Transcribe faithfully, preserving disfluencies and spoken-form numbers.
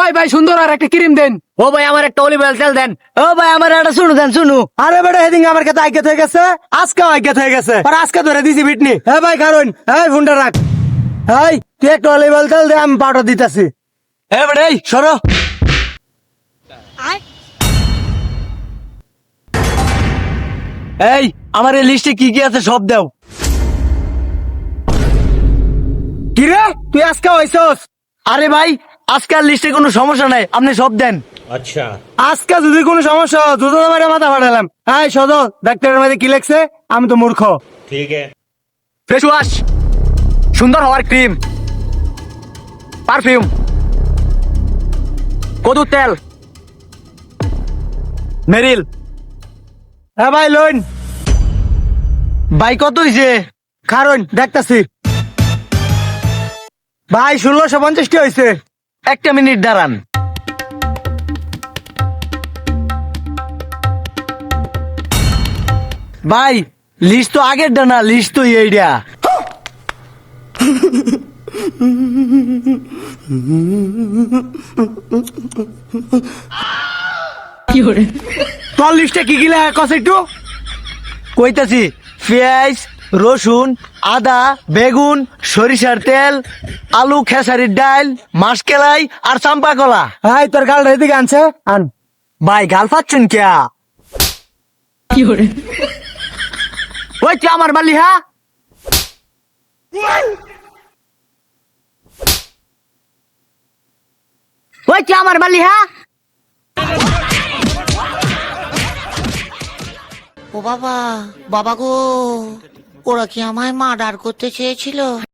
ভাই ভাই সুন্দর আর একটা ক্রিম দেন। ও ভাই আমার একটা অলিভ অয়েল তেল দেন। ও ভাই আমার একটা শুনু দেন শুনু। আরে বেটা হেদিন আমার কাছে আজ্ঞাত হয়ে গেছে, আজকে আজ্ঞাত হয়ে গেছে, আর আজকে ধরে দিছি বিটনি। হ্যাঁ ভাই কারণ হ্যাঁ ফোনটা রাখ। হাই তুই একটা অলিভ অয়েল তেল দে, আমি পাউডার দিতেছি। হ্যাঁ বেটা এই সরো। এই আমার এই লিস্টে কি কি আছে সব দাও। কিরে তুই আজকে হইছস? আরে ভাই আজকাল লিস্টে কোনো সমস্যা নাই, আপনি সব দেন। अच्छा আজকে যদি কোনো সমস্যা হয় দুটো মারে মাথা ফাটালাম। হ্যাঁ সদ ডাক্তারের মধ্যে কি লেখছে? আমি তো মূর্খ। ठीक है। ফেস ওয়াশ, সুন্দর হওয়ার ক্রিম, পারফিউম, কদুর তেল, মেরিল। হ্যাঁ ভাই লোন ভাই কত হয়েছে? কারণ দেখতাছি ভাই ষোলোশো পঞ্চাশটি হয়েছে। একটা মিনিট দাঁড়ান। ভাই লিস্ট তো আগের না, লিস্ট তো এইটা। তোর লিস্টে কি কি লেখা কস একটু কইতাছি। পেঁয়াজ, রসুন, আদা, বেগুন, সরিষার তেল, আলু, খেসারির ডাল, মাসকেলাই আর চাম্পা কলা। হাই তোর গাল এদিকে আনছে আন। ভাই গাল পাচ্ছেন কিয়া? ওই তুই আমার মালি হ্যাঁ? ওই তুই আমার মালি হ্যাঁ? ও বাবা, বাবা গো, ওরা কি আমায় মার্ডার করতে চেয়েছিল?